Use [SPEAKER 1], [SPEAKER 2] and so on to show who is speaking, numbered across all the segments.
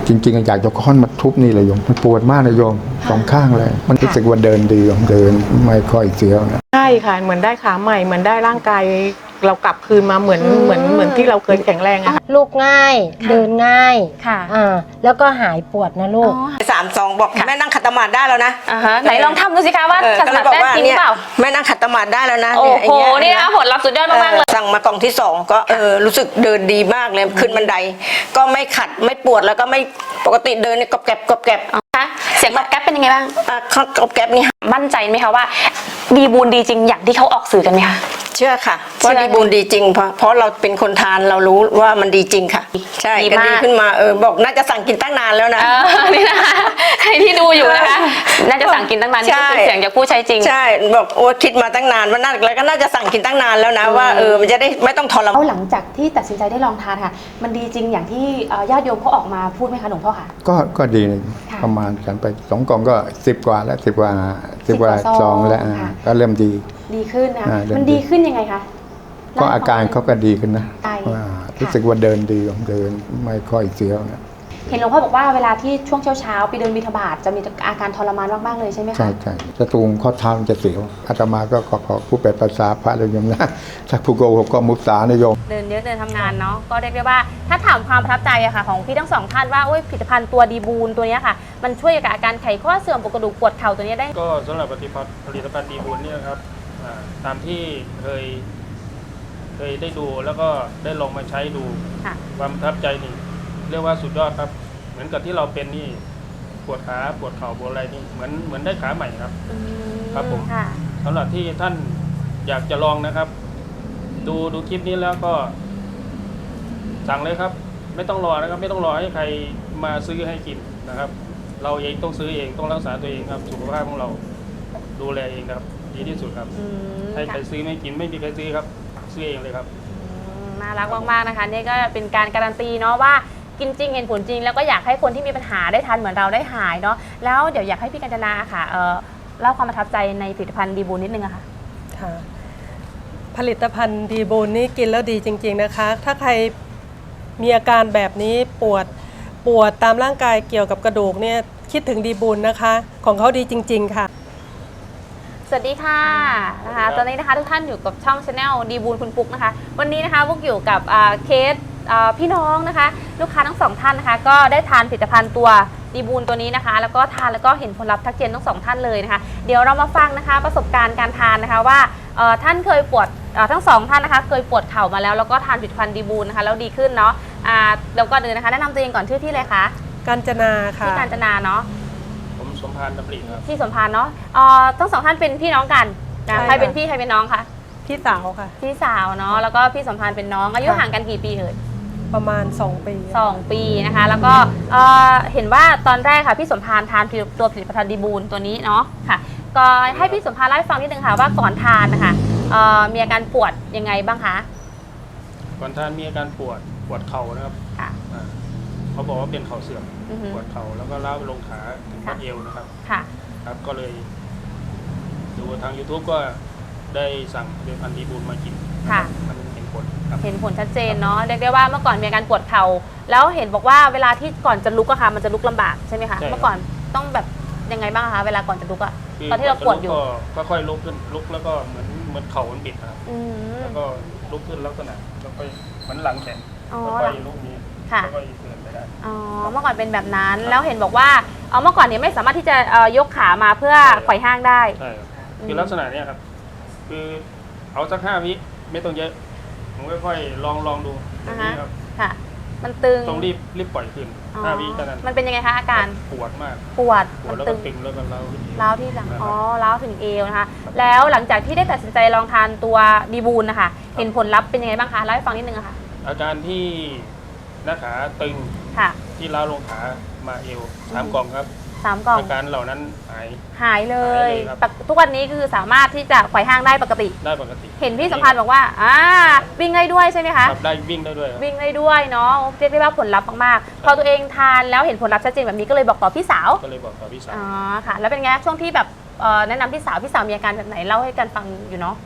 [SPEAKER 1] จริงๆอยากจะค้อนมาทุบนี่เลยโยมมันปวดมากนะโยมสองข้างเลยมันรู้สึกว่าเดินดีโยมเดินไม่ค่อยเสียวนะ
[SPEAKER 2] ใช่ค่ะเหมือนได้ขาใหม่เหมือนได้ร่างกายเรากลับคืนมาเหมือนที่เราเคยแข็งแรงอะค่ะ
[SPEAKER 3] ลูกง่ายเดินง่าย
[SPEAKER 4] ค่ะ
[SPEAKER 3] แล้วก็หายปวดนะลูก
[SPEAKER 5] 3-2บอกแม่นั่งขัดสมาธิได้แล้วนะ
[SPEAKER 4] ไหนลองทำดูสิคะว่าขัดสมาธิได้จริงหรือเปล่า
[SPEAKER 5] แม่นั่งขัดสมาธิได้แล้วนะ
[SPEAKER 4] โอ้โห
[SPEAKER 5] เย
[SPEAKER 4] นี่นะคะผลลัพธ์สุดยอดมากๆเลย
[SPEAKER 5] สั่งมากล่องที่2ก็รู้สึกเดินดีมากเลยขึ้นบันไดก็ไม่ขัดไม่ปวดแล้วก็ไม่ปกติเดินเนี่ยกรอบแกรบกรอบแกรบ
[SPEAKER 4] คะเสียงตอบแก๊ปเป็นยังไงบ้าง
[SPEAKER 5] กรอบแกรบนี่
[SPEAKER 4] มั่นใจไหมคะว่าดีบูนดีจริงอย่างที่เขาออกสื่อกันไหมคะ
[SPEAKER 5] เชื่อค่ะว่าดีบูนดีจริงเพราะเราเป็นคนทานเรารู้ว่ามันดีจริงค่ะใช่ก็ดีขึ้นมาบอกน่าจะสั่งกินตั้งนานแล้วนะ
[SPEAKER 4] นี่นะคะใครที่ดูอยู่นะคะน่าจะสั่งกินตั้งนานนี่คือเสียงจากผู้ใช้จริง
[SPEAKER 5] ใช่บอกโอ้คิดมาตั้งนานว่าน่าแล้วก็น่าจะสั่งกินตั้งนานแล้วนะว่ามันจะได้ไม่ต้องทรมาน
[SPEAKER 6] หลังจากที่ตัดสินใจได้ลองทานค่ะมันดีจริงอย่างที่ญาติโยมเขาออกมาพูดไหมคะหลวงพ่อคะ
[SPEAKER 1] ก็ดีนะประมาณกันไป2 กล่องก็10 กว่าแล้ว10 กว่าซองแล้วก็เริ่มดี
[SPEAKER 6] ขึ้นนะมันดีขึ้นยังไงคะ
[SPEAKER 1] ก็อาการเขาก็ดีขึ้นนะ
[SPEAKER 6] ว่า
[SPEAKER 1] รู้สึกว่าเดินดีเดินไม่ค่อยเสียวนะ
[SPEAKER 6] เห็นหลวงพ่อบอกว่าเวลาที่ช่วงเช้าไปเดินบิณฑบาตจะมีอาการทรมานมากๆเลยใช่ไหมคะ
[SPEAKER 1] ใช่จะตูงข้อเท้าจะเสียวอาตมาก็ขอผู้แปลภาษาพระเลยโยมนะถ้าผู้โกหกก็มุสานะโยม
[SPEAKER 4] เดินเยอะเดินทำงานเนาะก็เรียกได้ว่าถ้าถามความประทับใจอะค่ะของพี่ทั้งสองท่านว่าผลิตภัณฑ์ตัวดีบูนตัวนี้ค่ะมันช่วยกับอาการไขข้อเสื่อมปวดกระดูกปวดเข่าตัวนี้ได้
[SPEAKER 7] ก็สำหรับผลิตภัณฑ์ดีบูนเนี่ยครับตามที่เคยได้ดูแล้วก็ได้ลองมาใช้ดูความประทับใจนี่เรียกว่าสุดยอดครับเหมือนกับที่เราเป็นนี่ปวดขาปวดเข่าปวดอะไรนี่เหมือนได้ขาใหม่ครับครับผมสำหรับที่ท่านอยากจะลองนะครับดูคลิปนี้แล้วก็สั่งเลยครับไม่ต้องรอนะครับไม่ต้องรอให้ใครมาซื้อให้กินนะครับเราเองต้องซื้อเองต้องรักษาตัวเองครับสุขภาพของเราดูแลเองครับดีที่สุดครับให้ใครซื้อไม่กินไม่มีใครซื้อครับซื้อเองเลยครับ
[SPEAKER 4] น่ารักมากๆนะคะนี่ก็เป็นการการันตีเนาะว่ากินจริงเห็นผลจริงแล้วก็อยากให้คนที่มีปัญหาได้ทานเหมือนเราได้หายเนาะแล้วเดี๋ยวอยากให้พี่กัญจนาค่ะเล่าความประทับใจในผลิตภัณฑ์ดีบูนนิดนึงอะค่ะ
[SPEAKER 8] ค่ะผลิตภัณฑ์ดีบูนนี่กินแล้วดีจริงๆนะคะถ้าใครมีอาการแบบนี้ปวดตามร่างกายเกี่ยวกับกระดูกเนี่ยคิดถึงดีบูนนะคะของเขาดีจริงๆค่ะ
[SPEAKER 4] สวัสดีค่ะนะคะตอนนี้นะคะทุกท่านอยู่กับช่อง Channel ดีบูนคุณปุ๊กนะคะวันนี้นะคะพวกอยู่กับเคสพี่น้องนะคะลูกค้าทั้งสองท่านนะคะก็ได้ทานผลิตภัณฑ์ตัวดีบูนตัวนี้นะคะแล้วก็ทานแล้วก็เห็นผลลัพธ์ทักเจนทั้งสองท่านเลยนะคะเดี๋ยวเรามาฟังนะคะประสบการณ์การทานนะคะว่าท่านเคยปวดทั้งสองท่านนะคะเคยปวดเข่ามาแล้วก็ทานผลิตภัณฑ์ดีบูนนะคะแล้วดีขึ้นเนาะแล้วก็เดินนะคะแนะนำตัวเองก่อนชื่อที่เลยคะ
[SPEAKER 8] กาญจนาค่ะ
[SPEAKER 4] ที่กาญจนาเนาะ
[SPEAKER 7] ผมสมพานดำริครับ
[SPEAKER 4] ที่สมพานเนาะทั้งสองท่านเป็นพี่น้องกันใครเป็นพี่ใครเป็นน้องคะ
[SPEAKER 8] พี่สาวค่ะ
[SPEAKER 4] พี่สาวเนาะแล้วก็พี่สมพานเป็นน้องอายุห่างกันกี่ปีเอ่ย
[SPEAKER 8] ประมาณ2 ปี
[SPEAKER 4] 2 ปีนะคะแล้วก็เห็นว่าตอนแรกค่ะพี่สมพานทานตัวผลิตภัณฑ์ดีบูนตัวนี้เนาะค่ะก็ให้พี่สมพานเล่าให้ฟังนิดนึงค่ะว่าก่อนทานนะคะมีอาการปวดยังไงบ้างคะ
[SPEAKER 7] ก่อนทานมีอาการปวดเข่านะครับเขาบอกว่าเป็นเข่าเสื่อมปวดเข่าแล้วก็ล้าวไปลงขาถึงบัดเอวนะครับครับก็เลยดูทาง YouTube ก็ได้สั่งผลิตภัณฑ์ดีบูนมากินมันเห็นผล
[SPEAKER 4] ชัดเจนเนาะเรียกได้ว่าเมื่อก่อนมีอาการปวดเข่าแล้วเห็นบอกว่าเวลาที่ก่อนจะลุกอะค่ะมันจะลุกลำบากใช่ไหมคะเมื่อก่อนต้องแบบยังไงบ้างคะเวลาก่อนจะลุกอะตอนที่เราปวดอยู่
[SPEAKER 7] ก็ค่อยลุกขึ้นลุกแล้วก็เหมือนเข่ามันบิดครับแล้วก็ลุกขึ้นลักษณะแล้วก็เหมือนหลังแข็งค่อยลุกนี้แล้วก็เดินไปได้
[SPEAKER 4] เมื่อก่อนเป็นแบบนั้นแล้วเห็นบอกว่าเมื่อก่อนเนี่ยไม่สามารถที่จะยกขามาเพื่อไขว่ห้างได้
[SPEAKER 7] ใช่คือลักษณะนี้ครับคือเอาสัก5 วิไม่ต้องเยอะผมค่อยๆลองดูนี่ครับ
[SPEAKER 4] ค่ะมันตึง
[SPEAKER 7] ต้องรีบปล่อยขึ้น5 วิเท่านั้น
[SPEAKER 4] มันเป็นยังไงคะอาการ
[SPEAKER 7] ปวดมาก
[SPEAKER 4] ปวด
[SPEAKER 7] แล้วก็ตึงแล้วก็
[SPEAKER 4] ร้าวที่หลังร้าวถึงเอวนะคะแล้วหลังจากที่ได้ตัดสินใจลองทานตัวดีบูนนะคะเห็นผลลัพธ์เป็นยังไงบ้างคะเล่าให้ฟังนิดนึงค่ะ
[SPEAKER 7] อาการที่หน้าขาตึงที่ร้าวลงขามาเอว3 กล่องครับ
[SPEAKER 4] 3 กล่อง
[SPEAKER 7] อาการเหล่านั้น
[SPEAKER 4] หายเลยทุกวันนี้คือสามารถที่จะไขว่ห้างได้ปกติเห็นพี่สัมพันธ์บอกว่าวิ่งได้ด้วยใช่ไหมคะ
[SPEAKER 7] ได้วิ่งได้ด้วย
[SPEAKER 4] เนาะเรียกได้ว่าผลลัพธ์มากๆพอตัวเองทานแล้วเห็นผลลัพธ์ชัดเจนแบบนี้ก็เลยบอกต่อพี่สาว
[SPEAKER 7] ค่ะ
[SPEAKER 4] แล้วเป็นไงช่วงที่แบบแนะนำพี่สาวมีอาการแบบไหนเล่าให้กันฟังอยู่เนาะ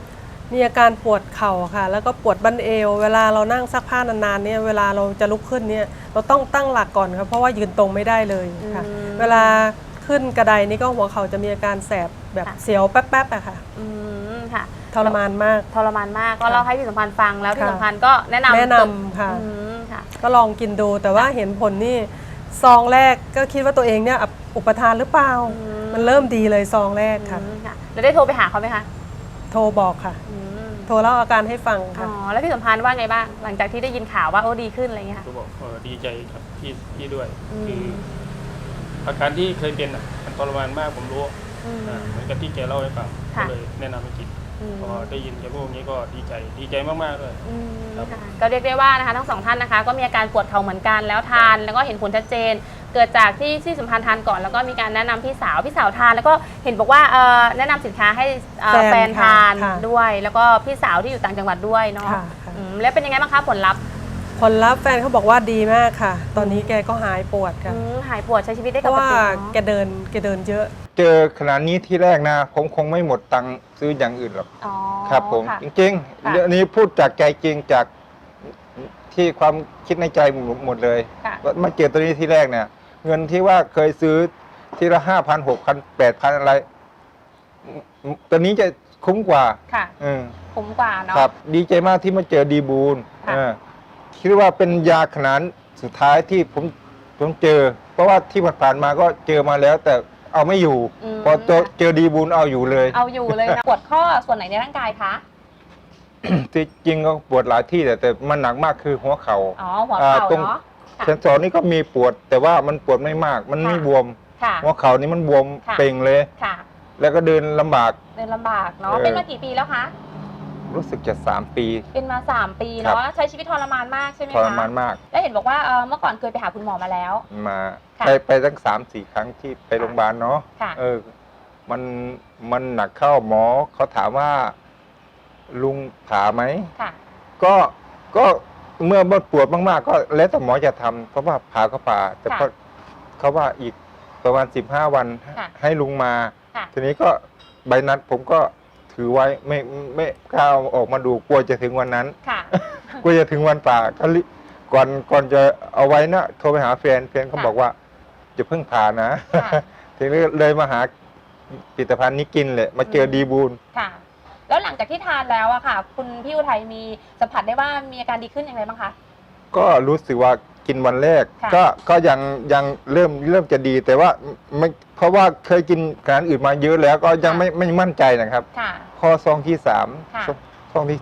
[SPEAKER 8] มีอาการปวดเข่าค่ะ แล้วก็ปวดบั้นเอว เวลาเรานั่งซักผ้านานๆเนี่ยเวลาเราจะลุกขึ้นเนี่ยเราต้องตั้งหลักก่อนครับเพราะว่ายืนตรงไม่ได้เลยค่ะ เวลาขึ้นกระไดนี่ก็หัวเข่าจะมีอาการแสบแบบเสียวแป๊บๆอะค่ะ
[SPEAKER 4] ค่ะ
[SPEAKER 8] ทรมานมาก
[SPEAKER 4] ทรมานมากก็เล่าให้พี่สัมพันธ์ฟังแล้วพี่สัมพันธ์ก็แนะนำ
[SPEAKER 8] ค่ะ
[SPEAKER 4] ค่ะ
[SPEAKER 8] ก็ลองกินดูแต่ว่าเห็นผลนี่ซองแรกก็คิดว่าตัวเองเนี่ยอุปทานหรือเปล่า มันเริ่มดีเลยซองแรกค่ะ
[SPEAKER 4] ค่ะแล้วได้โทรไปหาเขาไหมคะ
[SPEAKER 8] โทรบอกค่ะ โทรเล่าอาการให้ฟัง
[SPEAKER 4] อ๋
[SPEAKER 8] ค่ะ
[SPEAKER 4] อแล้วพี่สัมพันธ์ว่าไงบ้างหลังจากที่ได้ยินข่าวว่าโอ้ดีขึ้นอะไรเงี้ยค่ะ
[SPEAKER 7] ก็บอกดีใจครับพี่ด้วยคืออาการที่เคยเป็นมันทรมานมากผมรู้เหมือนกับที่แกเล่าให้ฟังก็เลยแนะนำให้กินพอได้ยินแกพูดอย่างนี้ก็ดีใจมากๆเลย ครับ
[SPEAKER 4] ค่ะก็เรียกได้ว่านะคะทั้งสองท่านนะคะก็มีอาการปวดเข่าเหมือนกันแล้วทานแล้วก็เห็นผลชัดเจน เกิดจากที่พี่สัมพันธ์ทานก่อนแล้วก็มีการแนะนำพี่สาวทานแล้วก็เห็นบอกว่าแนะนำสินค้าให้แฟนทาน
[SPEAKER 8] ค่ะ
[SPEAKER 4] ด้วย แล้วก็พี่สาวที่อยู่ต่างจังหวัดด้วยเนาะ
[SPEAKER 8] ค่ะ
[SPEAKER 4] แล้วเป็นยังไงบ้างคะผลลัพธ์
[SPEAKER 8] ผลลัพธ์แฟนเขาบอกว่าดีมากค่ะ ตอนนี้แกก็หายปวดค่ะ
[SPEAKER 4] หายปวดใช้ชีวิตได้
[SPEAKER 8] เพ
[SPEAKER 4] ป
[SPEAKER 8] ราะ
[SPEAKER 4] ก
[SPEAKER 8] ว่า
[SPEAKER 4] ติ
[SPEAKER 8] แกเดินเยอะ
[SPEAKER 1] เจอขนาดนี้ที่แรกนะผมคงไม่หมดตังค์ซื้ออย่างอื่นหรอก
[SPEAKER 4] อ๋อ
[SPEAKER 1] ครับผม
[SPEAKER 4] ค่ะ
[SPEAKER 1] จริง
[SPEAKER 4] ค่ะ
[SPEAKER 1] ๆเรื่องนี้พูดจากใจจริงจากที่ความคิดในใจหมดเลย
[SPEAKER 4] ค่ะ
[SPEAKER 1] ว่ามาเจอตัวนี้ที่แรกเนี่ย เงินที่ว่าเคยซื้อทีละ5,000 6,000 8,000อะไรตัวนี้จะคุ้มกว่า
[SPEAKER 4] ค่ะ
[SPEAKER 1] อืม
[SPEAKER 4] คุ้มกว่าเนาะ
[SPEAKER 1] ครับ ดีใจมากที่มาเจอดีบูล
[SPEAKER 4] ค่ะ
[SPEAKER 1] คิดว่าเป็นยาขนาดสุดท้ายที่ผมเจอ เพราะว่าที่ผ่านๆมาก็เจอมาแล้ว แต่เอาไม่อยู่ พอเจอดีบูลเอาอยู่เลย
[SPEAKER 4] เอาอยู่เลยนะ ปวดข้อส่วนไหนในร่างกายคะ
[SPEAKER 1] ที่จริงก็ปวดหลายที่แต่มันหนักมากคือหัวเขา
[SPEAKER 4] อ๋อหัวเข่า
[SPEAKER 1] ตรง
[SPEAKER 4] เนาะค่ะ
[SPEAKER 1] เซนสอนนี่ก็มีปวด แต่ว่ามันปวดไม่มาก มันไม่
[SPEAKER 4] ค่ะ
[SPEAKER 1] บวม
[SPEAKER 4] ค่ะ
[SPEAKER 1] หัวเข่านี่มันบวม
[SPEAKER 4] ค่ะ
[SPEAKER 1] เป่งเลย
[SPEAKER 4] ค่ะ
[SPEAKER 1] แล้วก็เดินลำบาก
[SPEAKER 4] เดินลำบากเนาะ
[SPEAKER 1] เออ
[SPEAKER 4] เป็นมากี่ปีแล้วคะ
[SPEAKER 1] รู้สึกจะ3 ปี
[SPEAKER 4] เป็นมา 3 ปี
[SPEAKER 1] ครั
[SPEAKER 4] เนาะ
[SPEAKER 1] บ
[SPEAKER 4] ใช้ชีวิตทรมานมากใช่ไหม
[SPEAKER 1] ท
[SPEAKER 4] คะ
[SPEAKER 1] รมานมาก
[SPEAKER 4] แล้วเห็นบอกว่าเมื่อก่อนเคยไปหาคุณหมอมาแล้ว
[SPEAKER 1] มา
[SPEAKER 4] ค่ะ
[SPEAKER 1] ไปตั้ง3-4 ครั้งที่ไปโรงพยาบาลเนาะ
[SPEAKER 4] ค่ะ
[SPEAKER 1] มันหนักเข้าหมอเขาถามว่าลุงผ่าไหม
[SPEAKER 4] ค่ะ
[SPEAKER 1] ก็เมื่อปวดมากๆ ก็แล้วแต่หมอจะทำเพราะว่าผ่าก็ผ่า แต่
[SPEAKER 4] ค่ะ
[SPEAKER 1] ก็เขาว่าอีกประมาณ15 วัน
[SPEAKER 4] ค่ะ
[SPEAKER 1] ให้ลุงมา
[SPEAKER 4] ค่ะ
[SPEAKER 1] ทีนี้ก็ใบนัดผมก็ถือไว้ไม่กล้าเอาออกมาดูกลัวจะถึงวันนั้น
[SPEAKER 4] ค่ะ
[SPEAKER 1] กลัวจะถึงวันผ่าก็ก่อนจะเอาไว้นะโทรไปหาแฟนเขาบอกว่าจะเพิ่งผ่านะ
[SPEAKER 4] ค่ะ
[SPEAKER 1] ทีนี้เลยมาหาผลิตภัณฑ์นี้กินเลยมาเจอดีบูล
[SPEAKER 4] ค่ะ แล้วหลังจากที่ทานแล้วอะค่ะ คุณพี่อุทัยมีสัมผัสได้ว่ามีอาการดีขึ้นอย่างไรบ้างคะ
[SPEAKER 1] ก็รู้สึกว่ากินวันแรก
[SPEAKER 4] ค่ะ
[SPEAKER 1] ก็ยังเริ่มจะดีแต่ว่าไม่เพราะว่าเคยกินอาหารอื่นมาเยอะแล้วก็ยังไม่มั่นใจนะครับ
[SPEAKER 4] ค่ะ
[SPEAKER 1] พอซองที่
[SPEAKER 4] ค่ะ
[SPEAKER 1] 3ซองที่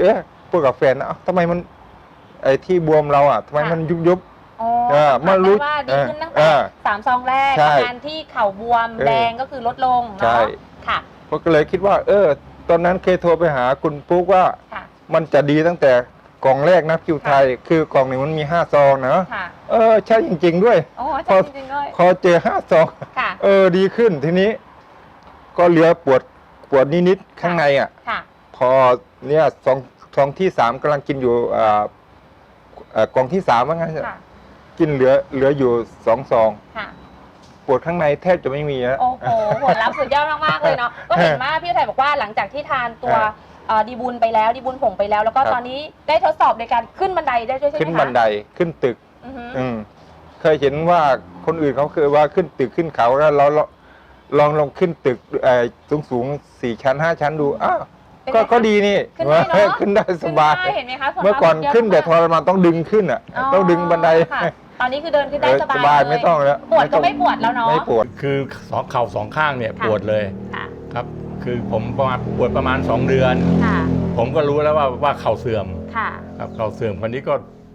[SPEAKER 1] 4พูดกับแฟนนะเอ้าทำไมมันไอ้ที่บวมเราอ่ะทำไมมันยุบ
[SPEAKER 4] อ๋อ
[SPEAKER 1] สัมผัส
[SPEAKER 4] สัมผัส
[SPEAKER 1] รู้
[SPEAKER 4] ได้ว่าดีขึ้นตั้ง
[SPEAKER 1] เอ
[SPEAKER 4] แต่
[SPEAKER 1] อ
[SPEAKER 4] 3 ซองแรก
[SPEAKER 1] ใช่
[SPEAKER 4] อาการที่เข่าบวมแดงก็คือลดลง
[SPEAKER 1] ใช่
[SPEAKER 4] เนาะค่ะ
[SPEAKER 1] ผมก็เลยคิดว่า ตอนนั้นเคยโทรไปหาคุณปุ๊กว่า
[SPEAKER 4] ค่ะ
[SPEAKER 1] มันจะดีตั้งแต่กล่องแรกนะคิวไทย คือกล่องหนึ่งมันมี5 ซองนะ
[SPEAKER 4] ค่ะ
[SPEAKER 1] ใช่จริง ๆ ด้วย
[SPEAKER 4] โอ้ใช่จริงๆด้วย
[SPEAKER 1] พอเจอ5 ซอง
[SPEAKER 4] ค่ะ
[SPEAKER 1] ดีขึ้นทีนี้ ก็เหลือปวดนิดๆข้างในอ่ะ
[SPEAKER 4] ค่ะ
[SPEAKER 1] พอเนี่ยซองที่ 3กำลังกินอยู่กล่องที่3ว่างั้น
[SPEAKER 4] ค่ะ
[SPEAKER 1] กินเหลืออยู่2 ซอง
[SPEAKER 4] ค่ะ
[SPEAKER 1] ปวดข้างในแทบจะไม่มีแล้ว
[SPEAKER 4] โอ้โหผลลัพธ์สุดยอดมากๆเลยเนาะ ก็เห็นว่าพี่อุทัยบอกว่าหลังจากที่ทานตัวดีบุญไปแล้วดีบุญผงไปแล้ว แล้วก็
[SPEAKER 1] ครับ
[SPEAKER 4] ตอนนี้ได้ทดสอบในการขึ้นบันไดได้ด้วยใช่ไหมคะ
[SPEAKER 1] ขึ้นบันไดขึ้นตึก
[SPEAKER 4] อือฮึ
[SPEAKER 1] เคยเห็นว่าคนอื่นเขาเคยว่าขึ้นตึกขึ้นเขาแล้วเราลองขึ้นตึกสูง4 ชั้น 5 ชั้นดูอ้าว
[SPEAKER 4] เป็นไงคะ
[SPEAKER 1] ก็ดีนี่
[SPEAKER 4] ขึ้นได้เนอะ
[SPEAKER 1] ขึ้นได้สบาย
[SPEAKER 4] ขึ้นได้เห็นไหมคะผลลัพธ์
[SPEAKER 1] เมื่อก่อน
[SPEAKER 4] สุดยด
[SPEAKER 1] ขึ้นแต่ท
[SPEAKER 4] มาก
[SPEAKER 1] รมานต้องดึงขึ้นอ่ะต้องดึงบันได
[SPEAKER 4] ค่ะตอนนี้คือเดินขึ้นได้สบาย
[SPEAKER 1] สบาย
[SPEAKER 4] เล
[SPEAKER 1] ไม่ต้องแล้ว
[SPEAKER 4] ปวดก็ไม่ปวดแล้วเนาะ
[SPEAKER 1] ไม่ปวด
[SPEAKER 9] คือเข่าสองข้างเนี่ย
[SPEAKER 4] ค่ะ
[SPEAKER 9] ปวดเลย
[SPEAKER 4] ค่ะ
[SPEAKER 9] ครับ คือผมปวดประมาณ2 เดือน
[SPEAKER 4] ค่ะ
[SPEAKER 9] ผมก็รู้แล้วว่าเข่าเสื่อม
[SPEAKER 4] ค่ะ
[SPEAKER 9] ครับเข่าเสื่อมคนนี้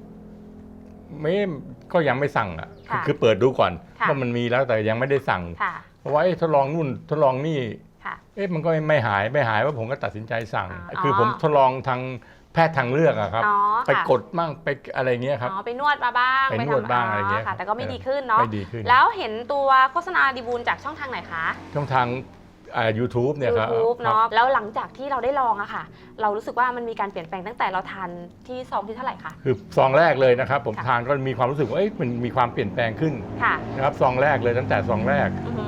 [SPEAKER 9] ก็ยังไม่สั่งอ่ะ
[SPEAKER 4] ค่ะ
[SPEAKER 9] คือเปิดดูก่อน
[SPEAKER 4] ค่ะ
[SPEAKER 9] ว่ามันมีแล้วแต่ยังไม่ได้สั่ง
[SPEAKER 4] ค่ะ
[SPEAKER 9] เพราะว่าทดลองนู่นทดลองนี่
[SPEAKER 4] ค่ะ
[SPEAKER 9] มันก็ไม่หายว่าผมก็ตัดสินใจสั่ง
[SPEAKER 4] อ๋อ
[SPEAKER 9] คือผมทดลองทางแพทย์ทางเลือกอะครับ
[SPEAKER 4] อ๋อ
[SPEAKER 9] ไป
[SPEAKER 4] ค่ะ
[SPEAKER 9] กดมั่งไปอะไรเงี้ยครับ
[SPEAKER 4] อ๋อไปนวดมาบ้าง
[SPEAKER 9] ไปนวดบ้างอะไรเงี้ย
[SPEAKER 4] ค่ะ แต่ก็ไม่ดีขึ้นเนาะ
[SPEAKER 9] ไม่ดีขึ้น
[SPEAKER 4] แล้วเห็นตัวโฆษณาดีบูลจากช่องทางไหนคะ
[SPEAKER 9] ช่องทางYouTube เนี่ยครับ
[SPEAKER 4] YouTube
[SPEAKER 9] ครับ
[SPEAKER 4] เนาะแล้วหลังจากที่เราได้ลองอะค่ะ เรารู้สึกว่ามันมีการเปลี่ยนแปลงตั้งแต่เราทานที่ซองที่เท่าไหร่คะ
[SPEAKER 9] คือซองแรกเลยนะครับผม
[SPEAKER 4] ค่ะ
[SPEAKER 9] ทานก็มีความรู้สึกว่ามันมีความเปลี่ยนแปลงขึ้น
[SPEAKER 4] ค่ะ
[SPEAKER 9] นะครับซองแรกเลยตั้งแต่ซองแรก
[SPEAKER 4] อือฮึ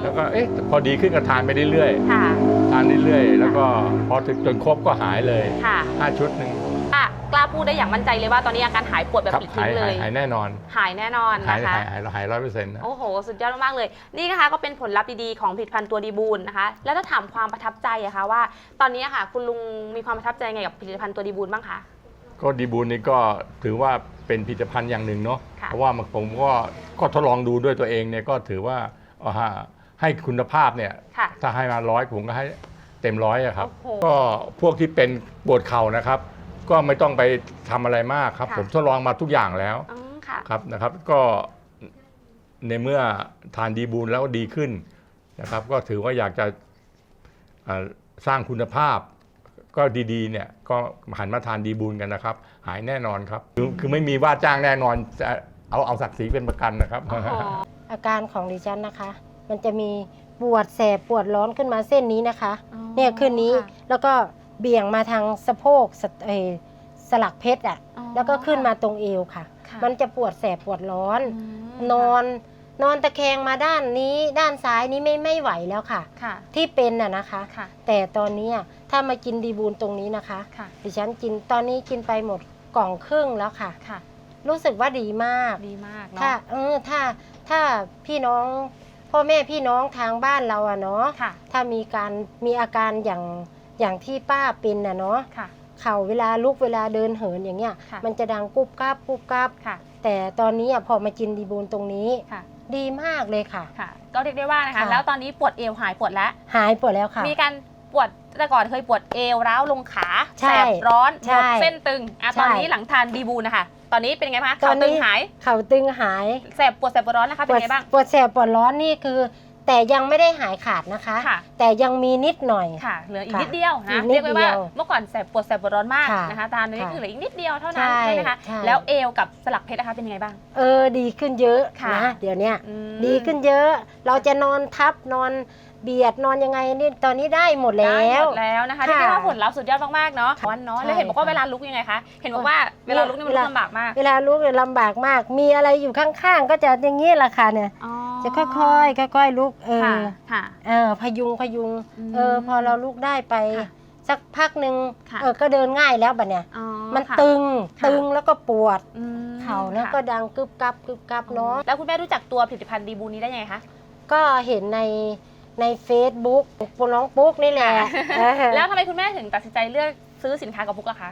[SPEAKER 9] แล้วก็พอดีขึ้นก็ทานไปเรื่อย
[SPEAKER 4] ค่ะ
[SPEAKER 9] ๆทานเรื่อยๆแล้วก็พอถึงจนครบก็หายเลย
[SPEAKER 4] ค่ะ
[SPEAKER 9] 5 ชุดหนึ่ง
[SPEAKER 4] กล้าพูดได้อย่างมั่นใจเลยว่าตอนนี้อาการหายปวดแบบ
[SPEAKER 9] ครับ
[SPEAKER 4] ปลิดทิ้งเลย
[SPEAKER 9] หายแน่นอน
[SPEAKER 4] หายแน่นอน
[SPEAKER 9] หาย
[SPEAKER 4] นะคะ
[SPEAKER 9] 100%นะ
[SPEAKER 4] โอ้โห สุดยอดมากๆเลย นี่นะคะก็เป็นผลลัพธ์ดีๆของผลิตภัณฑ์ตัวดีบูลนะคะ แล้วถ้าถามความประทับใจอะคะว่าตอนนี้อะค่ะคุณลุงมีความประทับใจไงกับผลิตภัณฑ์ตัวดีบูลบ้างคะ
[SPEAKER 9] ก็ดีบูลนี่ก็ถือว่าเป็นผลิตภัณฑ์อย่างหนึ่งเนาะ
[SPEAKER 4] ค่ะ
[SPEAKER 9] เพราะว่าผมก็ทดลองดูด้วยตัวเองเนี่ยก็ถือว่าให้คุณภาพเนี่ย
[SPEAKER 4] ค่ะ
[SPEAKER 9] ถ้าให้มา100ผมก็ให้เต็ม100อะครับ
[SPEAKER 4] โอ้โห
[SPEAKER 9] ก็พวกที่เป็นปวดเข่านะครับ ก็ไม่ต้องไปทำอะไรมากครับ
[SPEAKER 4] ค่ะ
[SPEAKER 9] ผมทดลองมาทุกอย่างแล้ว
[SPEAKER 4] ค่ะ
[SPEAKER 9] ครับนะครับ ก็ในเมื่อทานดีบูลแล้วดีขึ้นนะครับ ก็ถือว่าอยากจะสร้างคุณภาพ ก็ดีๆเนี่ยก็หันมาทานดีบูลกันนะครับ หายแน่นอนครับ คือไม่มีว่าจ้างแน่นอนจะเอาศักดิ์ศรีเป็นประกันนะครับ
[SPEAKER 3] อาการของดิฉันนะคะ มันจะมีปวดแสบปวดร้อนขึ้นมาเส้นนี้นะคะ
[SPEAKER 4] อ๋อ
[SPEAKER 3] เนี่ยขึ้นนี้
[SPEAKER 4] ค่ะ
[SPEAKER 3] แล้วก็เบี่ยงมาทางสะโพกสลักเพชรอ่ะ
[SPEAKER 4] อ๋อ
[SPEAKER 3] แล้วก็ขึ้นมาตรงเอวค่ะ
[SPEAKER 4] ค่ะ
[SPEAKER 3] มันจะปวดแสบปวดร้อน
[SPEAKER 4] อืม
[SPEAKER 3] นอนตะแคงมาด้านนี้ด้านซ้ายนี้ไม่ไหวแล้วค่ะ
[SPEAKER 4] ค่ะ
[SPEAKER 3] ที่เป็นน่ะนะคะ
[SPEAKER 4] ค่ะ
[SPEAKER 3] แต่ตอนนี้ถ้ามากินดีบูลตรงนี้นะคะ
[SPEAKER 4] ค่ะ
[SPEAKER 3] ดิฉันกินตอนนี้กินไปหมดกล่องครึ่งแล้วค่ะ
[SPEAKER 4] ค่ะ
[SPEAKER 3] รู้สึกว่าดีมาก
[SPEAKER 4] ดีมาก
[SPEAKER 3] ถ้า
[SPEAKER 4] เนาะ
[SPEAKER 3] ถ้าพี่น้องพ่อแม่พี่น้องทางบ้านเราอะเนาะ
[SPEAKER 4] ค่ะ
[SPEAKER 3] ถ้ามีอาการอย่างที่ป้าเป็นน่ะเนาะ
[SPEAKER 4] ค่ะ
[SPEAKER 3] เข่าเวลาลุกเวลาเดินเหินอย่างเงี้ย
[SPEAKER 4] ค่ะ
[SPEAKER 3] มันจะดังกุบกับกุบกับ
[SPEAKER 4] ค่ะ
[SPEAKER 3] แต่ตอนนี้พอมากินดีบูลตรงนี้
[SPEAKER 4] ค่ะ
[SPEAKER 3] ดีมากเลยค่ะ
[SPEAKER 4] ค่ะ ก็เรียกได้ว่านะคะ
[SPEAKER 3] ค่ะ
[SPEAKER 4] แล้วตอนนี้ปวดเอวหายปวดแล้ว
[SPEAKER 3] หายปวดแล้วค่ะ
[SPEAKER 4] มีการปวดแต่ก่อนเคยปวดเอวร้าวลงขา
[SPEAKER 3] ใช่
[SPEAKER 4] แสบร้อน
[SPEAKER 3] ใช่
[SPEAKER 4] ปวดเส้นตึงอ่ะ
[SPEAKER 3] ใช่
[SPEAKER 4] ตอนนี้หลังทานดีบูนะคะ ตอนนี้เป็นไงบ้างคะ
[SPEAKER 3] ตอ
[SPEAKER 4] ขาน ตึ
[SPEAKER 3] นี้
[SPEAKER 4] งหาย
[SPEAKER 3] เข่าตึงหาย
[SPEAKER 4] แสบปวดร้อนนะคะเป็นไงบ้าง
[SPEAKER 3] ปวดแสบปวดร้อนนี่คือ แต่ยังไม่ได้หายขาดนะคะ
[SPEAKER 4] ค่ะ
[SPEAKER 3] แต่ยังมีนิดหน่อย
[SPEAKER 4] ค่ะ เหลืออีก
[SPEAKER 3] ค่ะ
[SPEAKER 4] นิดเดียว
[SPEAKER 3] อี
[SPEAKER 4] นะ
[SPEAKER 3] กนิด
[SPEAKER 4] เรียกไว้ว่า
[SPEAKER 3] เดียว
[SPEAKER 4] เมื่อก่อนแสบปวดร้อนมาก
[SPEAKER 3] ค่ะ
[SPEAKER 4] นะคะตอนนี้
[SPEAKER 3] ค่ะ
[SPEAKER 4] คือเหลืออีกนิดเดียวเท่านั้น
[SPEAKER 3] ใช่
[SPEAKER 4] ใช่ไหมคะ
[SPEAKER 3] ใช่
[SPEAKER 4] แล้วเอวกับสลักเพชรนะคะเป็นยังไงบ้าง
[SPEAKER 3] ดีขึ้นเยอะ
[SPEAKER 4] ค่ะ
[SPEAKER 3] นะเดี๋ยวเนี้ย
[SPEAKER 4] อืม
[SPEAKER 3] ดีขึ้นเยอะ เราจะนอนทับนอนเบียดนอนยังไงนี่ตอนนี้ได้หมดแล้
[SPEAKER 4] ได้
[SPEAKER 3] ว
[SPEAKER 4] หมดแล้วนะคะ
[SPEAKER 3] ค่ะ
[SPEAKER 4] เรียกได้ว่าผลลัพธ์สุดยอดมากๆเนาะวันเนาะ
[SPEAKER 3] ใช่
[SPEAKER 4] แล้วเห็นบอกว่า
[SPEAKER 3] ค่ะ
[SPEAKER 4] เวลาลุกยังไงคะเห็นบอกว่าเวลาลุกนี่มันลุกลำบากมาก
[SPEAKER 3] เวลาลุกเนี่ยลำบากมาก มีอะไรอยู่ข้างๆ ก็จะอย่างนี้แหละค่ะเนี่ย
[SPEAKER 4] อ๋อ
[SPEAKER 3] จะค่อยๆค่อยๆลุก
[SPEAKER 4] ค่ะค่ะ
[SPEAKER 3] พยุง
[SPEAKER 4] อืม
[SPEAKER 3] พอเราลุกได้ไป
[SPEAKER 4] ค่ะ
[SPEAKER 3] สักพักหนึ่ง
[SPEAKER 4] ค่ะ
[SPEAKER 3] ก็เดินง่ายแล้วบัดเนี่ย
[SPEAKER 4] อ๋อ
[SPEAKER 3] มัน
[SPEAKER 4] ค่ะ
[SPEAKER 3] ตึง
[SPEAKER 4] ค่ะ
[SPEAKER 3] ตึงแล้วก็ปวด
[SPEAKER 4] อืม
[SPEAKER 3] เข่าแล้ว
[SPEAKER 4] ค่ะ
[SPEAKER 3] ก็ดังกึบกับเนาะ
[SPEAKER 4] แล้วคุณแม่รู้จักตัวผลิตภัณฑ์ดีบูนี้ได้ยังไงคะ
[SPEAKER 3] ก็เห็นใน Facebook ปุน้องปุ๊กนี่แหละ
[SPEAKER 4] แล้วทำไมคุณแม่ถึงตัดสินใจเลือกซื้อสินค้ากับปุ๊กล่ะคะ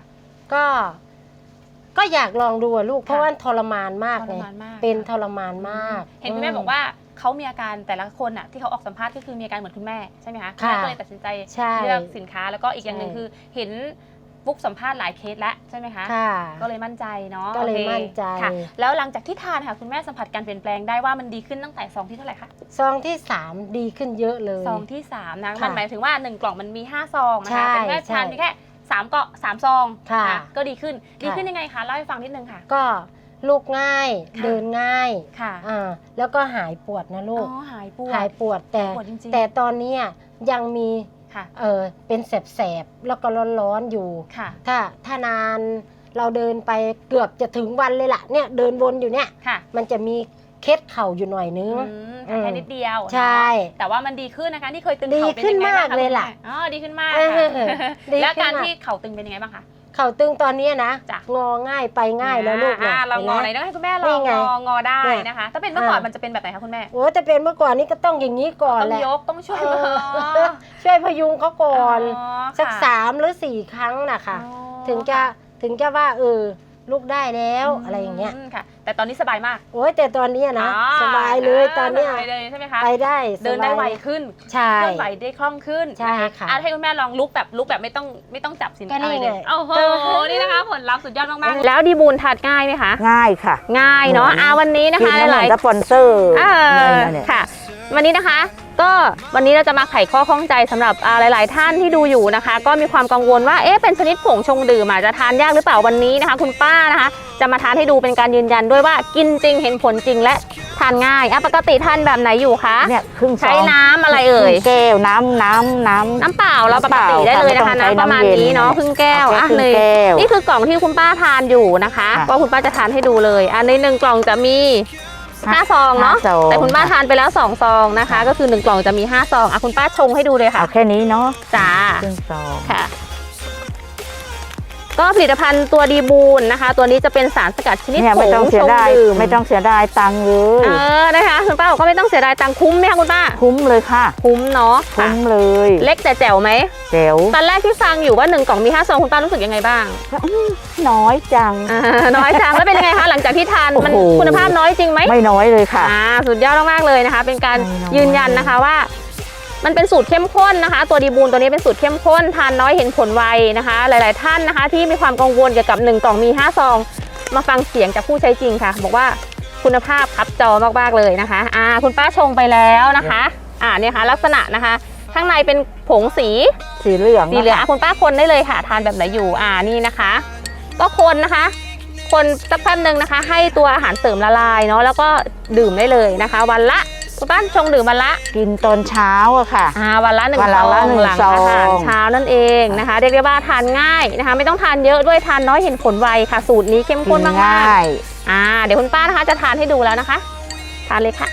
[SPEAKER 3] ก็อยากลองดูอะลูกเพราะว่าทรมานมาก
[SPEAKER 4] ท
[SPEAKER 3] เล
[SPEAKER 4] ร
[SPEAKER 3] ย
[SPEAKER 4] มานมาก
[SPEAKER 3] เป็นทรมานมาก
[SPEAKER 4] เห็นคุณแม่บอกว่าเขามีอาการแต่ละคนอ่ะที่เขาออกสัมภาษณ์ก็คือมีอาการเหมือนคุณแม่ใช่ไหมคะคุณ
[SPEAKER 3] ค่ะ
[SPEAKER 4] แม่ก็เลยตัดสินใจ
[SPEAKER 3] ใช่
[SPEAKER 4] เลือกสินค้าแล้วก็อีกอย่างหนึ่ง
[SPEAKER 3] ใช่
[SPEAKER 4] คือเห็นปุ๊กสัมภาษณ์หลายเคสแล้วใช่ไหมคะ
[SPEAKER 3] ค่ะ
[SPEAKER 4] ก็เลยมั่นใจเนาะ
[SPEAKER 3] ก็เลย
[SPEAKER 4] โอค
[SPEAKER 3] มั่นใจ
[SPEAKER 4] ค่ะ แล้วหลังจากที่ทานค่ะคุณแม่สัมผัสการเปลี่ยนแปลงได้ว่ามันดีขึ้นตั้งแต่ซองที่เท่าไหร่คะ
[SPEAKER 3] ซองที่ 3 ดีขึ้นเยอะเลย
[SPEAKER 4] ซองที่3นะ
[SPEAKER 3] ค่ะ
[SPEAKER 4] มันหมายถึงว่า1กล่องมันมี5ซองนะ
[SPEAKER 3] ใช่
[SPEAKER 4] คะแต่คุณแม่ทาน
[SPEAKER 3] ใช่
[SPEAKER 4] เพียงแค่3ซอง
[SPEAKER 3] ค่ะ
[SPEAKER 4] นะก็ดีขึ้น
[SPEAKER 3] ค่ะ
[SPEAKER 4] ดีขึ้นยังไงคะเล่าให้ฟังนิดนึงค่ะ
[SPEAKER 3] ก็ลุกง่าย
[SPEAKER 4] ค่ะ
[SPEAKER 3] เดินง่าย
[SPEAKER 4] ค่ะ
[SPEAKER 3] แล้วก็หายปวดนะลูก
[SPEAKER 4] อ๋อหายปวด
[SPEAKER 3] หายปวดแต่
[SPEAKER 4] หายปวดจริงๆ
[SPEAKER 3] แต่ตอนนี้ยังมี
[SPEAKER 4] ค่ะ
[SPEAKER 3] เป็นแสบๆแล้วก็ร้อนๆอยู่
[SPEAKER 4] ค่ะ
[SPEAKER 3] ถ้านานเราเดินไปเกือบจะถึงวันเลยล่ะเนี่ยเดินวนอยู่เนี่ย
[SPEAKER 4] ค่ะ
[SPEAKER 3] มันจะมีเคล็ดเข่าอยู่หน่อยนึง
[SPEAKER 4] แต่แค่นิดเดียว
[SPEAKER 3] ใช่
[SPEAKER 4] เนาะแต่ว่ามันดีขึ้นนะคะที่เคยตึง
[SPEAKER 3] ดี
[SPEAKER 4] เข่าเป็น
[SPEAKER 3] ขึ้น
[SPEAKER 4] ยังไงบ้าง
[SPEAKER 3] มากเลยล่ะ
[SPEAKER 4] คุณแม่อ๋อดีขึ้นมาก
[SPEAKER 3] เออ
[SPEAKER 4] ค่ะ
[SPEAKER 3] ดี
[SPEAKER 4] แล้ว
[SPEAKER 3] ขึ้น
[SPEAKER 4] การ
[SPEAKER 3] มาก
[SPEAKER 4] ที่เข่าตึงเป็นยังไงบ้างคะ
[SPEAKER 3] เข่าตึงตอนนี้นะ
[SPEAKER 4] จ้ะ
[SPEAKER 3] งอง่ายไปง่ายแล้วลูกเนี่ย
[SPEAKER 4] เรางอไหน
[SPEAKER 3] ห็น
[SPEAKER 4] ต้อง
[SPEAKER 3] ไหม
[SPEAKER 4] ให้คุณแม่ล
[SPEAKER 3] นี่
[SPEAKER 4] อง
[SPEAKER 3] ไง
[SPEAKER 4] งอได้
[SPEAKER 3] เนี่ย
[SPEAKER 4] นะคะ ถ้าเป็นเมื่อก่อน
[SPEAKER 3] อ่ามั
[SPEAKER 4] มันจะเป็นแบบไหนคะคุณแม่
[SPEAKER 3] โอ้แต่เป็นเมื่อก่อนนี้ก็ต้องอย่างนี้ก่อน
[SPEAKER 4] ต้อง
[SPEAKER 3] แหละ
[SPEAKER 4] ยกต้องช่วย
[SPEAKER 3] เอ
[SPEAKER 4] มือ
[SPEAKER 3] อช่วยพยุงเขาก่อน
[SPEAKER 4] อ๋อ
[SPEAKER 3] สัก
[SPEAKER 4] ค่ะ
[SPEAKER 3] 3 หรือ 4 ครั้งนะคะ
[SPEAKER 4] อ๋อ
[SPEAKER 3] ถึงจะว่าลูกได้แล้วอะไรอย่างเงี้ย
[SPEAKER 4] ค่ะ แต่ตอนนี้สบายมาก
[SPEAKER 3] โอ้ยแต่ตอนเนี้ยนะ
[SPEAKER 4] อ๋อ
[SPEAKER 3] สบายเลยตอนเนี้ย
[SPEAKER 4] สบายเลยใช่ไหมคะ
[SPEAKER 3] ไปได้
[SPEAKER 4] เดินได้
[SPEAKER 3] สบาย
[SPEAKER 4] ไวขึ้น
[SPEAKER 3] ใช่
[SPEAKER 4] เคลื่อนไหวได้คล่องขึ้น
[SPEAKER 3] ใช่ค่ะ
[SPEAKER 4] ให้คุณแม่ลองลุกแบบไม่ต้องจับสิน
[SPEAKER 3] ก็นี่
[SPEAKER 4] อะไรเลย
[SPEAKER 3] ไง
[SPEAKER 4] โอ้โหนี่นะคะผลลัพธ์สุดยอดมากๆแล้วดีบูนทานง่ายไหมคะ
[SPEAKER 10] ง่ายค่ะ
[SPEAKER 4] ง่ายเนาะวันนี้นะ
[SPEAKER 10] กิน
[SPEAKER 4] คะ
[SPEAKER 10] แล้วเห
[SPEAKER 4] ห
[SPEAKER 10] มือ
[SPEAKER 4] ลาย
[SPEAKER 10] นสปอนเซอร์ เนี่ย
[SPEAKER 4] ค่ะ วันนี้นะคะ ก็วันนี้เราจะมาไขข้อข้องใจสำหรับหลาย ๆ ท่านที่ดูอยู่นะคะ ก็มีความกังวลว่าเป็นชนิดผงชงดื่มอาจจะทานยากหรือเปล่าวันนี้นะคะ คุณป้านะคะ จะมาทานให้ดูเป็นการยืนยันด้วยว่ากินจริงเห็นผลจริงและทานง่ายปกติทานแบบไหนอยู่คะ
[SPEAKER 10] เนี่ยครึ่งซอง
[SPEAKER 4] ใช้น้ำอะไรเอ่ย
[SPEAKER 10] ครึ่งแก้วน้ำ
[SPEAKER 4] เปล่าเราปกติได้เลยนะคะ
[SPEAKER 10] น้ำเปล่า
[SPEAKER 4] น้ำประมาณนี้เนาะ
[SPEAKER 10] ค่ะ
[SPEAKER 4] ครึ่งแก้ว
[SPEAKER 10] เอาแค่ครึ่ง
[SPEAKER 4] เลย
[SPEAKER 10] แก้ว
[SPEAKER 4] นี่คือกล่องที่คุณป้าทานอยู่นะคะ
[SPEAKER 10] ค่ะ
[SPEAKER 4] ก็คุณป้าจะทานให้ดูเลยใน1กล่องจะมี 5 ซองเนาะ
[SPEAKER 10] 5 ซอง
[SPEAKER 4] แต่คุณป้าทานไปแล้ว2 ซองนะคะ ก็คือ1 กล่องจะมี5 ซองคุณป้าชงให้ดูเลยค่ะ
[SPEAKER 10] เอาแค่นี้เนาะ
[SPEAKER 4] จ้า
[SPEAKER 10] ครึ่งซอง
[SPEAKER 4] ค่ะ ก็ผลิตภัณฑ์ตัวดีบูนนะคะ ตัวนี้จะเป็นสารสกัดชนิด
[SPEAKER 10] เนี่ย
[SPEAKER 4] ผ
[SPEAKER 10] ไม่
[SPEAKER 4] ง
[SPEAKER 10] ต้อง
[SPEAKER 4] ช
[SPEAKER 10] เสีย
[SPEAKER 4] ง
[SPEAKER 10] ดาย
[SPEAKER 4] ดื่ม
[SPEAKER 10] ไม่ต้องเสียดายตังค์เลย
[SPEAKER 4] นะคะคุณป้าบอกว่าไม่ต้องเสียดายตังค์คุ้มไหมคะคุณป้า
[SPEAKER 10] คุ้มเลยค่ะ
[SPEAKER 4] คุ้มเนาะ
[SPEAKER 10] คุ้มเลย
[SPEAKER 4] เล็กแต่แจ๋วไหม
[SPEAKER 10] แจ๋ว
[SPEAKER 4] ตอนแรกที่ฟังอยู่ว่า1 กล่องมี5 ซองคุณป้ารู้สึกยังไงบ้าง
[SPEAKER 10] น้อยจัง
[SPEAKER 4] น้อยจังแล้วเป็นยังไงคะหลังจากที่ทานมัน
[SPEAKER 10] โอ้โห
[SPEAKER 4] คุณภาพน้อยจริงไหม
[SPEAKER 10] ไม่น้อยเลยค่ะ
[SPEAKER 4] สุดยอดมากๆเลยนะคะ เป็นการ
[SPEAKER 10] ไม่น้อย
[SPEAKER 4] ยืนยันนะคะว่า มันเป็นสูตรเข้มข้นนะคะ ตัวดีบูนตัวนี้เป็นสูตรเข้มข้นทานน้อยเห็นผลไวนะคะ หลาย ๆ ท่านนะคะ ที่มีความกังวลเกี่ยวกับ1 กล่องมี5 ซองมาฟังเสียงจากผู้ใช้จริงค่ะ บอกว่าคุณภาพคับจอมากๆเลยนะคะคุณป้าชงไปแล้วนะคะเนี่ยค่ะลักษณะนะคะ ข้างในเป็นผงสี
[SPEAKER 10] สีเหลือง
[SPEAKER 4] คุณป้าคนได้เลยค่ะ ทานแบบไหนอยู่นี่นะคะ ก็คนนะคะ คนสักแป๊บนึงนะคะ ให้ตัวอาหารเสริมละลายเนาะแล้วก็ดื่มได้เลยนะคะ วันละคุณป้าชงดื่มวันละ
[SPEAKER 10] กินตอนเช้าอะค่ะ
[SPEAKER 4] วันละ1
[SPEAKER 10] วัน
[SPEAKER 4] ซ
[SPEAKER 10] ละ
[SPEAKER 4] อง
[SPEAKER 10] หนึ่ง
[SPEAKER 4] หลัง
[SPEAKER 10] ซอง
[SPEAKER 4] อาหารเช้านั่นเองนะคะเรียกได้ว่าทานง่ายนะคะ ไม่ต้องทานเยอะด้วยทานน้อยเห็นผลไวค่ะ สูตรนี้เข้มข้นมาก
[SPEAKER 10] ง่าย
[SPEAKER 4] ๆเดี๋ยวคุณป้านะคะจะทานให้ดูแล้วนะคะ ทานเลยค่ะ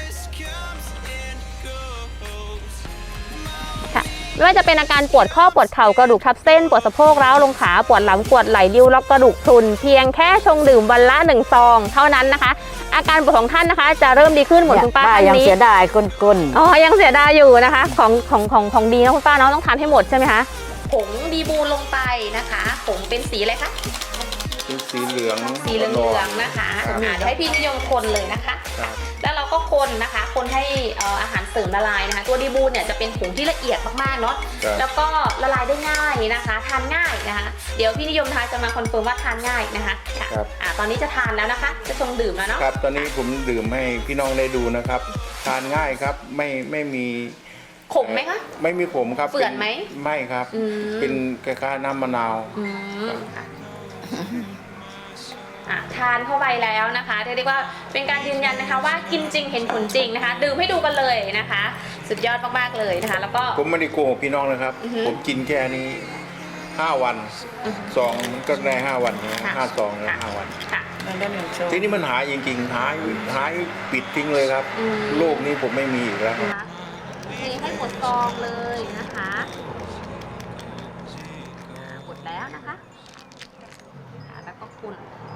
[SPEAKER 4] ไม่ว่าจะเป็นอาการปวดข้อปวดเข่ากระดูกทับเส้นปวดสะโพกร้าวลงขาปวดหลังปวดไหล่ริ้วล็อกกระดูกพรุนเพียงแค่ชงดื่มวันละ1 ซองเท่านั้นนะคะ อาการปวดของท่านนะคะ จะเริ่มดีขึ้นเหมือนคุณป้าท่าน
[SPEAKER 10] ยัง
[SPEAKER 4] นี้
[SPEAKER 10] เสียดายก้น
[SPEAKER 4] ยังเสียดายอยู่นะคะของดีนะคุณป้าเนาะต้องทานให้หมดใช่ไหมคะผงดีบูนลงไปนะคะผงเป็นสีอะไรคะ
[SPEAKER 1] เป็นสีเหลือง
[SPEAKER 4] สีเหลืองๆนะคะเดี๋ยวให้พี่นิยมคนเลยนะคะ แล้วเราก็คนนะคะคนให้อาหารเสริมละลายนะคะ ตัวดีบูนเนี่ยจะเป็นผงที่ละเอียดมากๆเนาะแล้วก็ละลายได้ง่ายนะคะทานง่ายนะคะเดี๋ยวพี่นิยมทานจะมาคอนเฟิร์มว่าทานง่ายนะคะตอนนี้จะทานแล้วนะคะจะชงดื่มแล้วเนาะ
[SPEAKER 11] ครับตอนนี้ผมดื่มให้พี่น้องได้ดูนะครับทานง่ายครับไม่มี
[SPEAKER 4] ขมไหมคะ
[SPEAKER 11] ไม่มีขมครับ
[SPEAKER 4] เฝื่อนไหม
[SPEAKER 11] ไม่ครับเป็นคล้ายๆน้ำมะนาว
[SPEAKER 4] ทานเข้าไปแล้วนะคะเรียกว่าเป็นการยืนยันนะคะว่ากินจริงเห็นผลจริงนะคะดื่มให้ดูกันเลยนะคะ สุดยอดมากๆเลยนะคะแล้วก็
[SPEAKER 11] ผมไม่ได้โกหกพี่น้องนะครับ ผมกินแค่นี้5 วันซองมันก็ได้5 วันนะ5 ซองแล้ว5 วันทีนี้มันหายจริงๆหายปิดทิ้งเลยครับโรคนี้ผมไม่มีอีกแล้ว
[SPEAKER 4] เทให้หมดซองเลยนะคะหมดแล้วนะคะแล้วก็คุณ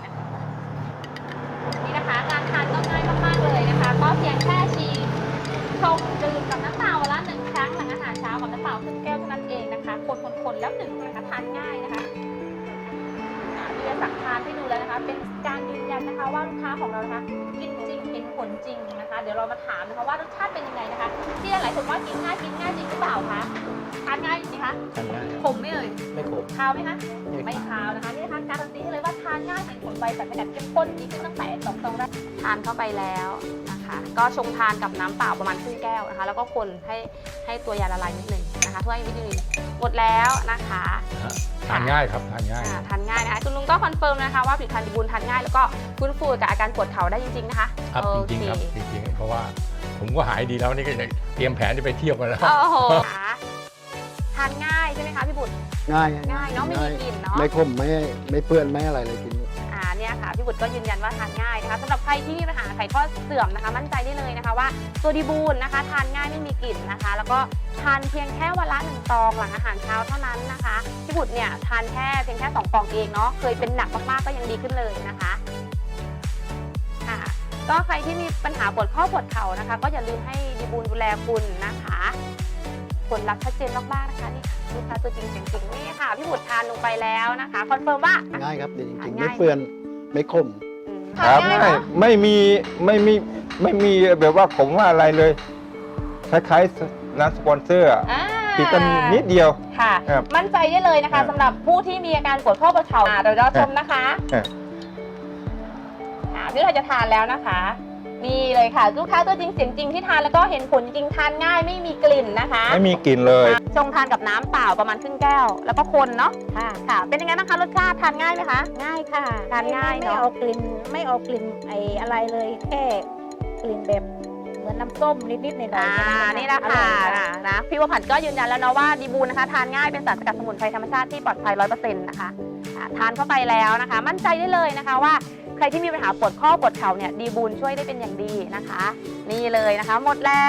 [SPEAKER 4] นี่นะคะการทานก็ง่ายมากๆเลยนะคะก็เพียงแค่ชงดื่มกับน้ำเปล่าวันละ1 ครั้งหลังอาหารเช้ากับน้ำเปล่าครึ่งแก้วเท่านั้นเองนะคะคนแล้วดื่มนะคะทานง่ายนะคะที่จะสั่งทานให้ดูแล้วนะคะเป็นการยืนยันนะคะว่าลูกค้าของเรานะคะกินจริงเห็นผลจริงนะคะเดี๋ยวเรามาถามนะคะว่ารสชาติเป็นยังไงนะคะที่หลายคนว่ากินง่ายจริงหรือเปล่าคะทานง่ายจริงคะขมไหมเอ่ยไม่ขมคาวไหมคะไม่คาวนะคะนี่นะคะการันตีให้เลยว่าทานง่ายเห็นผลไวแต่ขนาดเข้มข้นดีขึ้นตั้งแต่2 ซองแรกทานเข้าไปแล้วนะคะก็ชงทานกับน้ำเปล่าประมาณครึ่งแก้วนะคะแล้วก็คนให้ตัวยาละลายนิดนึงนะคะเพื่อให้วิตามินหมดแล้วนะคะ
[SPEAKER 9] ทานง่ายครับทานง่าย
[SPEAKER 4] ทานง่ายนะคะคุณลุงก็คอนเฟิร์มนะคะว่าผลิตภัณฑ์ดีบูนทานง่ายแล้วก็ฟื้นฟูกับอาการปวดเข่าได้จริงๆนะคะ
[SPEAKER 9] ครับจริงๆครับจริงๆเพราะว่าผมก็หายดีแล้วนี่ก็เตรียมแผนจะไปเที่ยวกันแล้ว
[SPEAKER 4] โอ้โหทานง่ายใช่ไหมคะพี่บุตรง่ายเนาะไม่มีกลิ่นเนาะ
[SPEAKER 12] ไม่ขมไม่เปื้อนไม่อะไรเลยกิน
[SPEAKER 4] เนี่ยค่ะพี่บุตรก็ยืนยันว่าทานง่ายนะคะสำหรับใครที่มีปัญหาไขข้อเสื่อมนะคะมั่นใจได้เลยนะคะว่าตัวดีบูนนะคะทานง่ายไม่มีกลิ่นนะคะแล้วก็ทานเพียงแค่วันละ1 ซองหลังอาหารเช้าเท่านั้นนะคะพี่บุตรเนี่ยทานเพียงแค่2 กล่องเองเนาะเคยเป็นหนักมากๆก็ยังดีขึ้นเลยนะคะก็ใครที่มีปัญหาปวดข้อปวดเข่านะคะก็อย่าลืมให้ดีบูนดูแลคุณนะคะผลลัพธ์ชัดเจนมากๆนะคะนี่ลูกค้าตัวจริงเสียงจริงนี่ค่ะพี่บุตรทานลงไปแล้วนะคะคอนเฟิร์มว่า
[SPEAKER 12] ง่ายครับดีจริงๆไม่เปื้อนไม่ขม
[SPEAKER 1] ครับไม่มีแบบว่าผมว่าอะไรเลยคล้ายๆน้ำสปอนเซอร์ติดกันนิดเดียว
[SPEAKER 4] ค่ะมั่นใจได้เลยนะคะสำหรับผู้ที่มีอาการปวดข้อปวดเข่าเดี๋ยวเราชมนะคะนี่เราจะทานแล้วนะคะนี่เลยค่ะลูกค้าตัวจริงเสียงจริงที่ทานแล้วก็เห็นผลจริงทานง่ายไม่มีกลิ่นนะคะ
[SPEAKER 1] ไม่มีกลิ่นเลย
[SPEAKER 4] ชงทานกับน้ำเปล่าประมาณครึ่งแก้วแล้วก็คนเนาะค่ะเป็นยังไงบ้างคะรสชาติทานง่ายไหมคะ
[SPEAKER 3] ง่ายค่ะ
[SPEAKER 4] ทานง่ายเนาะ
[SPEAKER 3] ไม่เอากลิ่นอะไรเลยแค่กลิ่นแบบเหมือนน้ำส้มนิดๆหน่อยๆ
[SPEAKER 4] นี่นะคะนะพี่วผันก็ยืนยันแล้วเนาะว่าดีบูนนะคะทานง่ายเป็นสารสกัดสมุนไพรธรรมชาติที่ปลอดภัย 100% นะคะทานเข้าไปแล้วนะคะมั่นใจได้เลยนะคะว่าใครที่มีปัญหาปวดข้อปวดเข่าเนี่ยดีบูลช่วยได้เป็นอย่างดีนะคะ นี่เลยนะคะหมดแล้ว